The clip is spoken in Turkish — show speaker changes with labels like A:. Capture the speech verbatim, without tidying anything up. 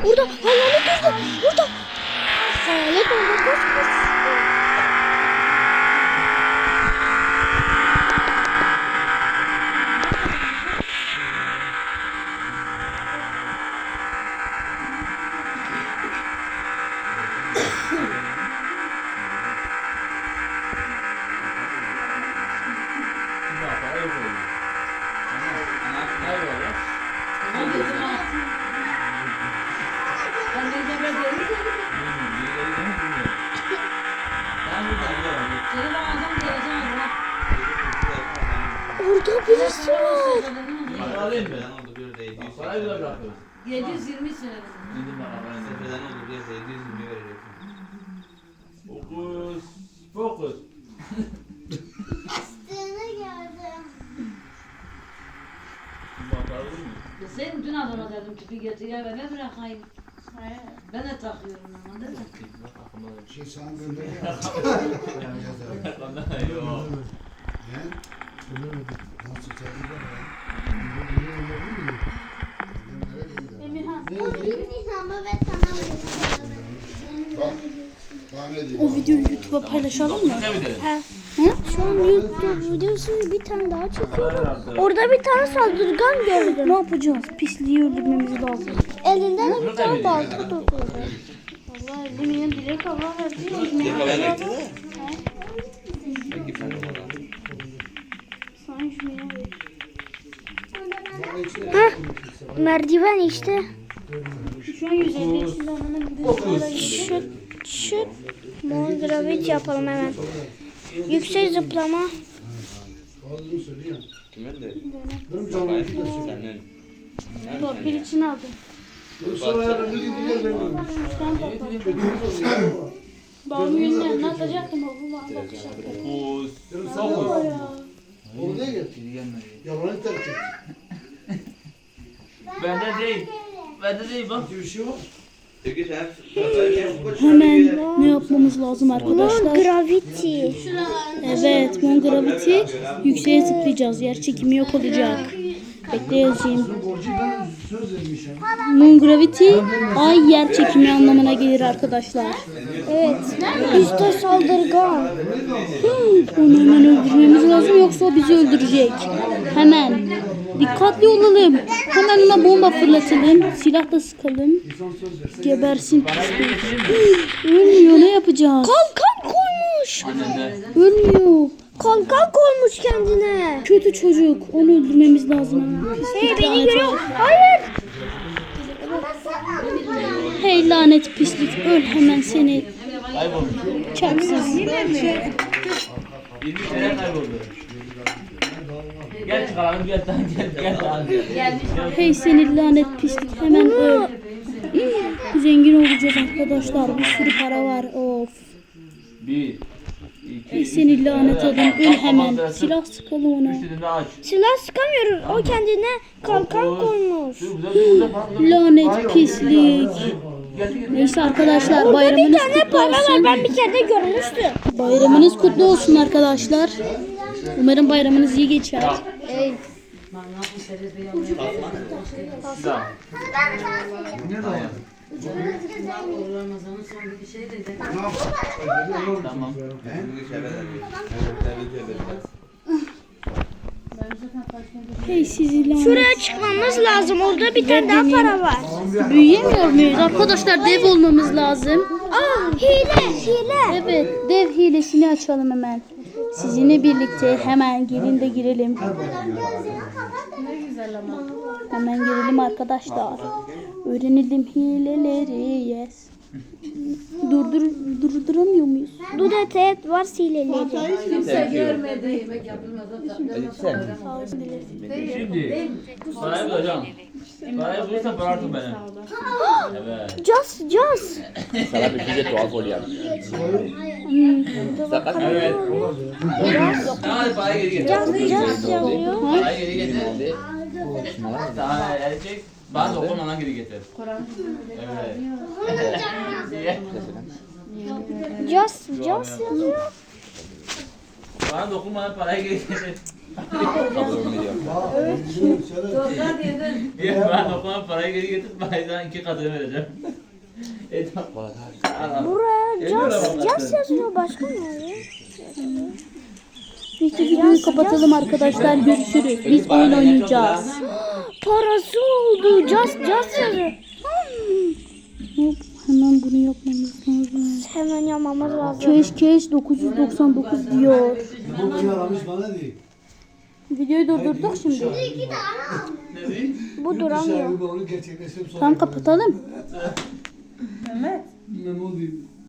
A: Burada hayalet orada. Burada. Hayalet orada. Koş koş. Orada birisi var.
B: Alayım mı?
C: yedi yüz yirmi söyledim.
B: Seferden oldu bir yerde yedi yüz yirmi vereceksin.
D: Fokus. Fokus.
E: Üstüne geldim.
D: Bakalım mı?
C: Sen dün adama dedim ki bir getir ya eve bırakayım. Ben de takıyorum ama değil mi?
F: Şey sana gönderiyor.
D: Yok.
F: Ne? Nasıl çekildi ya?
E: Emirhan. Emirhan ve sana
F: Bak. Bana ne diyor?
A: O videoyu YouTube'a paylaşalım mı?
D: Ne bir de?
A: He. Hı? Şu an YouTube videosunu bir tane daha çekiyorum. Orada bir tane saldırgan gördüm. Ne yapacağız? Pisliği öldürmemiz lazım. Elinden de bir tane balta tutuldu. Vallahi eminim direkt Allah verdi. Sana şunu ver. Hah, merdiven işte. Şu an yüz elli yaşında ananın bir Şu, şu Mondravet yapalım hemen. Yüksek zıplama.
B: Kimin de?
F: Senin.
A: Torpil için aldım.
F: Sonra yarın bir gidiyor ben.
A: Babamın yüzüne anlatacaktım babam bana bakacaktı.
D: Fokus. Fokus.
F: Oraya gel. Yalanı terk et.
D: Bende değil. Bende değil bak.
F: Bir şey var.
B: Peki sen
A: Hemen ne yapmamız lazım arkadaşlar?
E: Gravity.
A: Evet, Mon Gravity. Yükseğe zıplayacağız. Yer çekimi yok olacak. Bekle yazayım.
F: Borcu ben söz vermişim.
A: Mon Gravity ay yer çekimi anlamına gelir arkadaşlar. Evet. Üste saldırgan. Hmm, onu hemen öldürmemiz lazım yoksa o bizi öldürecek. Hemen. Dikkatli olalım. Hemen ona bomba fırlatalım. Silah da sıkalım. Gebersin pislik. Ölmüyor, ne yapacağız? Kalkan koymuş.
D: Annende.
A: Ölmüyor.
E: Kalkan koymuş kendine.
A: Kötü çocuk. Onu öldürmemiz lazım hemen.
E: Hey beni görüyor. Hayır.
A: Hey lanet pislik. Öl hemen seni.
D: Kaybolmuş.
A: Çarpsız.
D: yirmi sene kayboldu. Gel çıkaralım gel tamam gel gel tamam gel.
A: Hey seni lanet pislik. Hemen öl. Zengin olacağız arkadaşlar. Bir sürü para var. Of.
D: Bir.
A: Hey
D: İki.
A: seni lanet adam. Öl hemen. Silah sıkalım ona.
D: Üç dediğinde aç.
E: Silah sıkamıyoruz. O kendine kalkan koymuş.
D: Dur güzel dur güzel falan.
A: Lanet pislik.
D: Gel gel.
A: Neyse arkadaşlar bayramınız kutlu olsun.
E: Ben bir kere de görmüştüm.
A: Bayramınız kutlu olsun arkadaşlar. Umarım bayramınız iyi geçer.
D: Tamam.
F: Ne zaman?
C: Ramazan'ın son bir şey dedi.
D: Tamam.
A: Hey sizi lanet.
E: Şuraya çıkmamız lazım. Orada bir tane daha para var.
A: Büyüyemiyor muyuz? Arkadaşlar dev olmamız lazım.
E: Aa hile hile.
A: Evet dev hilesini açalım hemen. Sizinle birlikte hemen gelin de girelim. Hemen girelim arkadaşlar. Öğrenelim hileleri. Yes. Durdur durduramıyor muyuz?
E: Dudet et var hileleri.
C: Kimse görmedi yemek yapılmaz.
D: Şimdi parayı bulacağım. Parayı bulursa para artık benim. Evet.
E: Just just.
B: Sana bir şey doğal gol yani. Evet. Hadi parayı geri getir.
E: Just just yazıyor.
D: Parayı geri getir. Sana erecek. Bana dokunmadan geri getir. Evet.
E: Just just yazıyor.
D: Bana dokunmadan parayı geri getir.
C: Topla dedin.
D: Ya ben toplam parayı geri getir, bazen iki katını vereceğim. E tamam.
E: Buraya
D: Geliyor
E: Just,
D: ama
E: Just
D: baktın.
E: yazıyor. Başka ne oluyor?
A: Peki videoyu kapatalım arkadaşlar. Görüşürüz. Biz oyun oynayacağız.
E: Parası oldu. Just, Just yazıyor.
A: Hop, hemen bunu yapmamız lazım.
E: Hemen yapmamız lazım.
A: Keş keş dokuz yüz doksan dokuz diyor.
F: Bu beni aramış bana değil.
A: Videoyu durdurduk şimdi.
D: Ne diyeyim?
E: Bu duramıyor.
F: Dışarı onu gerçekleştirip sonra.
A: Tamam kapatalım.
F: Ne oldu?